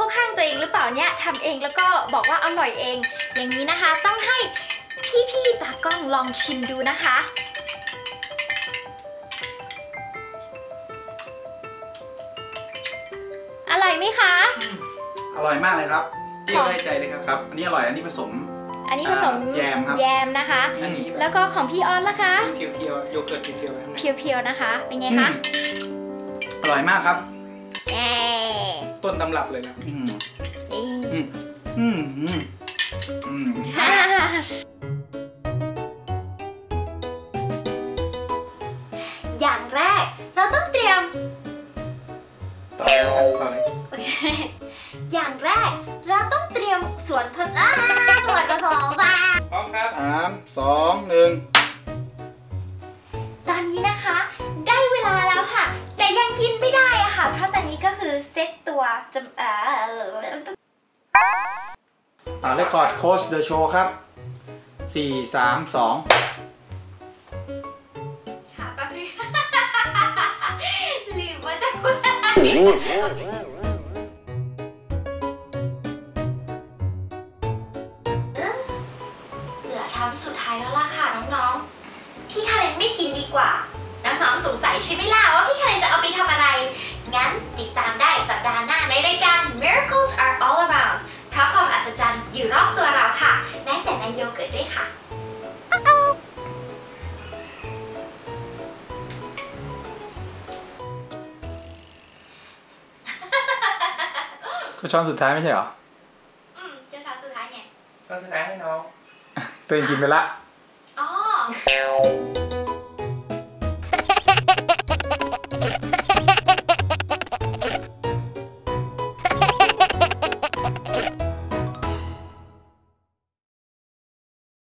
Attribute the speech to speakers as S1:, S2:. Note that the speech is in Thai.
S1: เข้าข้างตัวเองหรือเปล่าเนี่ยทำเองแล้วก็บอกว่าอร่อยเองอย่างนี้นะคะต้องให้พี่ๆตากล้องลองชิมดูนะคะอร่อยไหมคะ
S2: อร่อยมากเลยครับ
S3: เที่ยวได้ใจเลยครับ
S2: ครับอันนี้อร่อยอันนี้ผสมแยมครับ
S1: แยมนะคะ
S3: อันนี้
S1: แล้วก็ของพี่ออนล่ะคะ
S3: เพียวๆโยเกิร์ตเพียวๆ
S1: เพียวๆนะคะเป็นไงคะ
S2: อร่อยมากครับ
S3: ต้นตำรับเลยนะ
S1: อย่างแรกเราต้องเตรียมอย่างแรกเราต้องเตรียมส่วนผสมมาพร้อม
S3: ครับ
S2: 3 2 1
S1: ตอนนี้นะคะได้เวลาแล้วค่ะแต่ยังกินไม่ได้อะค่ะเพราะตอนนี้ก็คือเซตตัวจำ
S2: เรคคอร์ดโค้ชเดอะโชว์ครับ4 3 2
S1: ค่ะแป๊บนึงลืมว่าจะพูดเหลือชามสุดท้ายแล้วล่ะค่ะน้องๆพี่คาเรนไม่กินดีกว่าน้องๆสงสัยใช่ไหมล่ะว่าพี่คาเรนจะเอาไปทำอะไรงั้นติดตามได้สัปดาห์หน้าในรายการ Miracles are all around เพราะความอัศจรรย์อยู่รอบตัวเราค่ะแม้แต่ในโยเกิร์ตด้วยค่ะ
S2: ก็ช้อนสุดท้ายไม่ใช่เหรอ
S1: เจ้าชามสุดท้ายไง
S3: ช้อนสุดท้ายให้น้อง
S2: ตัวเองกินไปละ
S1: อ๋อ